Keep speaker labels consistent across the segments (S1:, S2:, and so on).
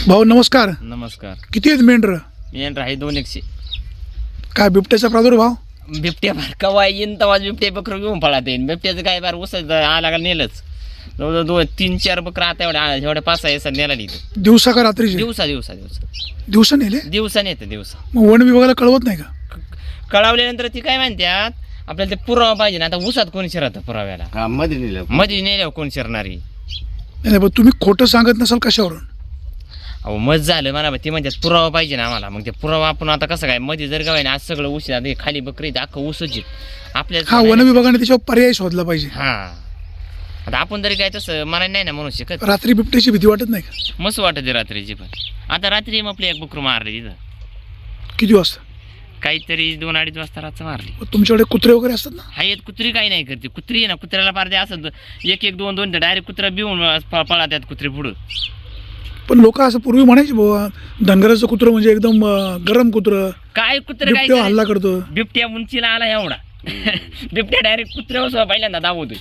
S1: भाऊ नमस्कार.
S2: नमस्कार.
S1: किती आहेत मेंढर?
S2: मेंढर आहे 200.
S1: काय बिबट्याचा प्रादुर्भाव?
S2: बिबट्या बार कवा येईन तेव्हा बिबट्या बकरं घेऊन पळत येईन. बिबट्याचं काय बार उसत आला का नेलंच. जवळजवळ 2-3-4 बकरं आता एवढ्या 5-6 नेला नाही.
S1: दिवसा का रात्रीचे?
S2: दिवसा
S1: नेले?
S2: दिवसा नेते दिवसा.
S1: मग वन विभागाला कळवत नाही का?
S2: कळवल्यानंतर ती काय म्हणतात आपल्याला ते पुरावा पाहिजे ना. आता उसात कोण शिरत पुराव्याला? मध्ये नेल्यावर कोण शिरणारी?
S1: नाही पण तुम्ही खोटं सांगत नसाल कशावरून?
S2: अहो मत झालं म्हणा ती म्हणतात पुरावा पाहिजे ना आम्हाला. मग ते पुरावा आपण आता कसं काय मध्ये जर गावाय ना आज सगळं ऊस खाली बकरी अख्खं ऊसच आपल्या
S1: वन विभागाने त्याच्यावर पर्याय शोधला पाहिजे.
S2: हा आता आपण तरी काय तसं मला नाही ना म्हणू शकत.
S1: रात्री बिबट्याची भीती वाटत नाही का?
S2: मस्त वाटते रात्रीची. पण आता रात्री मग आपली एक बकरू मारली तिथं.
S1: किती वाजता?
S2: काहीतरी 2-2:30 वाजता रात्र मारली.
S1: तुमच्याकडे कुत्रे वगैरे असतात ना?
S2: हा येत कुत्री काही नाही करते. कुत्री आहे ना कुत्र्याला पारते असं 1-1-2-2 डायरेक्ट कुत्रा बिवून पळतात कुत्रे पुढं.
S1: पण लोक असं पूर्वी म्हणायचे बाबा धनगराचं कुत्रं म्हणजे एकदम गरम कुत्रं,
S2: काय कुत्र काय
S1: हल्ला करतो.
S2: बिबट्या उंचीला आला एवढा. बिबट्या डायरेक्ट कुत्र्यावर पहिल्यांदा दावतोय.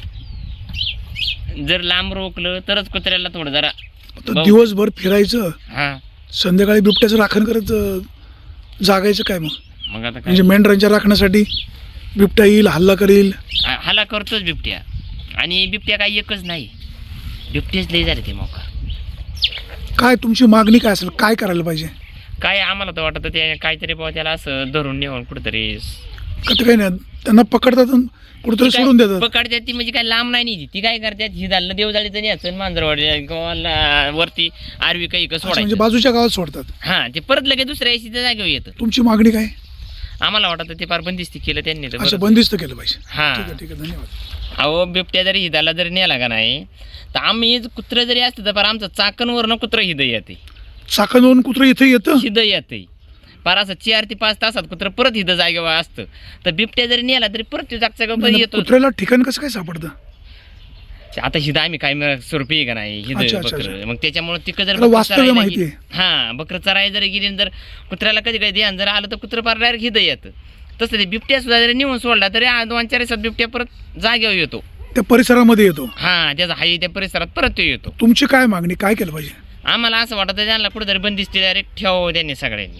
S2: जर लांब रोखलं तरच कुत्र्याला थोडं जरा
S1: दिवसभर फिरायचं,
S2: हा
S1: संध्याकाळी बिबट्याचं राखण करत जागायचं काय?
S2: मग आता
S1: म्हणजे मेंढरांच्या राखण्यासाठी बिबट्या येईल, हल्ला करेल.
S2: हल्ला करतोच बिबट्या. आणि बिबट्या काही एकच नाही, बिबटेच लई झाले ते मोकार.
S1: काय तुमची मागणी काय असेल? काय करायला पाहिजे?
S2: काय आम्हाला तर वाटतं ते काहीतरी बाबा त्याला असं धरून नेऊन कुठेतरी
S1: कसं काही नाही त्यांना पकडतात कुठेतरी सोडून देतात.
S2: पकडतात ती म्हणजे काय लांब नाही ती. ती काय करतात ही झालं देवजाळीचं न्यायचं मांजरवाडी वरती आरवी काही
S1: म्हणजे
S2: सोडायचं.
S1: बाजूच्या गावात सोडतात.
S2: हा ते परत लगेच दुसऱ्या दिवशी त्या जागेवर येतं.
S1: तुमची मागणी काय?
S2: आम्हाला वाटतं ते फार बंदिस्ती केलं त्यांनी तर
S1: असं बंदिस्त केलं पाहिजे.
S2: हा
S1: ठीक आहे धन्यवाद.
S2: अहो बिबट्या जरी हिदाला जरी नेला का नाही तर आम्ही कुत्रं जरी असतं तर फार आमचं चाकणवरनं कुत्रं हिद येते.
S1: चाकणवरून कुत्रं इथे येतं?
S2: हिद येते फार असं 4 ते 5 तासात कुत्रं परत हिद जागेवर असतं. तर बिबट्या जरी नेला तरी परत जागच्या गाव येतो.
S1: कुत्र्याला ठिकाण कसं काय सापडतं?
S2: आता हिद आम्ही काय स्वरूपी आहे का नाही हिद बकर. मग त्याच्यामुळे तिकडे जर
S1: वास्तव्य माहिती आहे.
S2: हा बकर चराय जरी गेली जर कुत्र्याला कधी कधी ध्यान जर आलं तर कुत्रं फार डायरेक्ट हिद येतं. तसं ते बिबट्या सुद्धा जरी नेऊन सोडला तरी 2-4 दिवसात बिबट्या परत जागेवर येतो.
S1: त्या परिसरामध्ये येतो.
S2: हा त्याचा हाई त्या परिसरात परत तो येतो.
S1: तुमची काय मागणी? काय केलं पाहिजे?
S2: आम्हाला असं वाटतं त्यांना कुठेतरी बंदिस्ती डायरेक्ट ठेवावं त्यांनी सगळ्यांनी.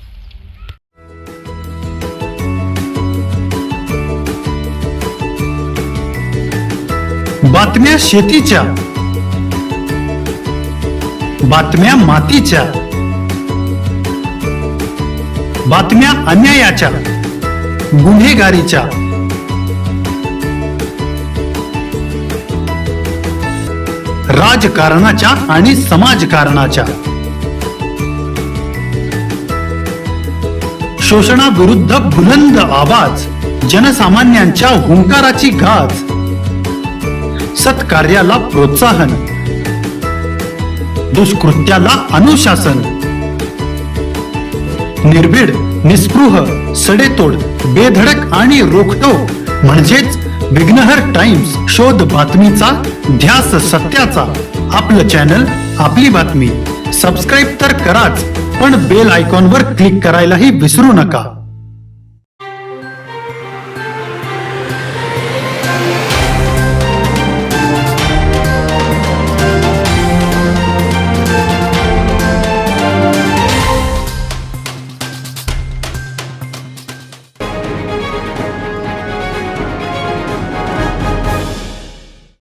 S3: बातम्या शेतीच्या, बातम्या मातीच्या, बातम्या अन्यायाच्या, गुन्हेगारीच्या, राजकारणाच्या आणि समाजकारणाच्या, शोषणाविरुद्ध बुलंद आवाज, जनसामान्यांच्या हुंकाराची गाज, सत्कार्याला प्रोत्साहन, दुष्कृत्याला अनुशासन, निर्भीड, निस्पृह, सडेतोड, बेधडक आणि रोखटोक म्हणजेच विघ्नहर टाइम्स. शोध बातमीचा, ध्यास सत्याचा. आपलं चॅनल, आपली बातमी. सबस्क्राईब तर कराच, पण बेल आयकॉनवर क्लिक करायलाही विसरू नका.